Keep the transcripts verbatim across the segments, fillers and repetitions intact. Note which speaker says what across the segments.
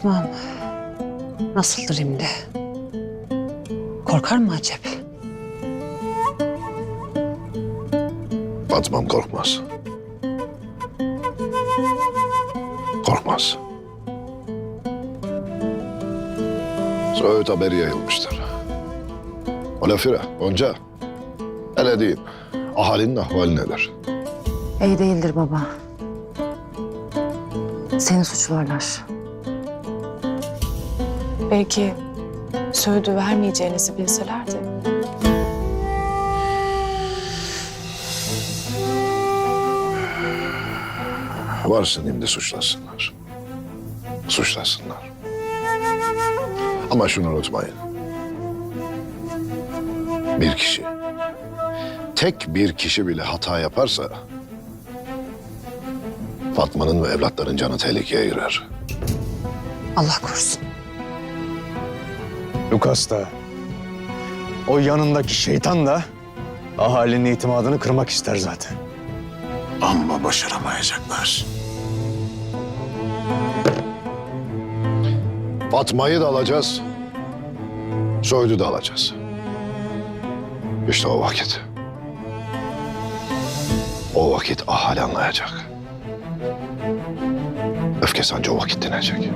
Speaker 1: Fatma'm nasıldır şimdi? Korkar mı acep?
Speaker 2: Fatma'm korkmaz. Korkmaz. Söğüt haberi yayılmıştır. O lafire, Gonca. Hele deyin, ahalinin ahvali nedir?
Speaker 3: İyi değildir baba. Seni suçlarlar.
Speaker 4: Belki söğüdü vermeyeceğinizi bilselerdi.
Speaker 2: Varsın şimdi suçlasınlar. Suçlasınlar. Ama şunu unutmayın. Bir kişi, tek bir kişi bile hata yaparsa Fatma'nın ve evlatların canı tehlikeye girer.
Speaker 1: Allah korusun.
Speaker 5: Lukas da, o yanındaki şeytan da ahalinin itimadını kırmak ister zaten.
Speaker 6: Ama başaramayacaklar.
Speaker 2: Fatma'yı da alacağız, Söğüt'ü de alacağız. İşte o vakit. O vakit ahali anlayacak. Öfkesi anca o vakit dinecek.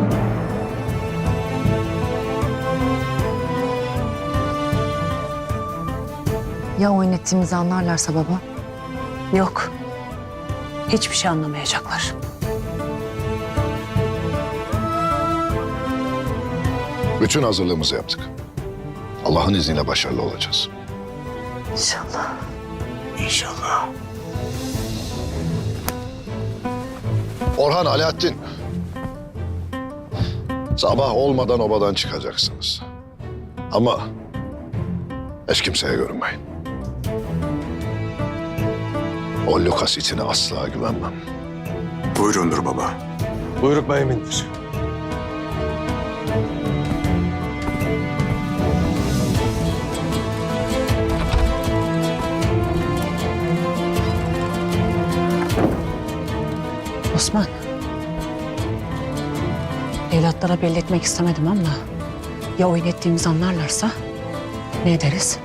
Speaker 3: Ya oyun ettiğimizi anlarlarsa baba?
Speaker 1: Yok. Hiçbir şey anlamayacaklar.
Speaker 2: Bütün hazırlığımızı yaptık. Allah'ın izniyle başarılı olacağız.
Speaker 3: İnşallah.
Speaker 6: İnşallah.
Speaker 2: Orhan, Alaaddin. Sabah olmadan obadan çıkacaksınız. Ama hiç kimseye görünmeyin. O Lukas itine asla güvenmem.
Speaker 6: Buyurundur baba.
Speaker 5: Buyruk beyimindir.
Speaker 1: Osman. Evlatlara belli etmek istemedim ama ya oyun ettiğimizi anlarlarsa ne ederiz?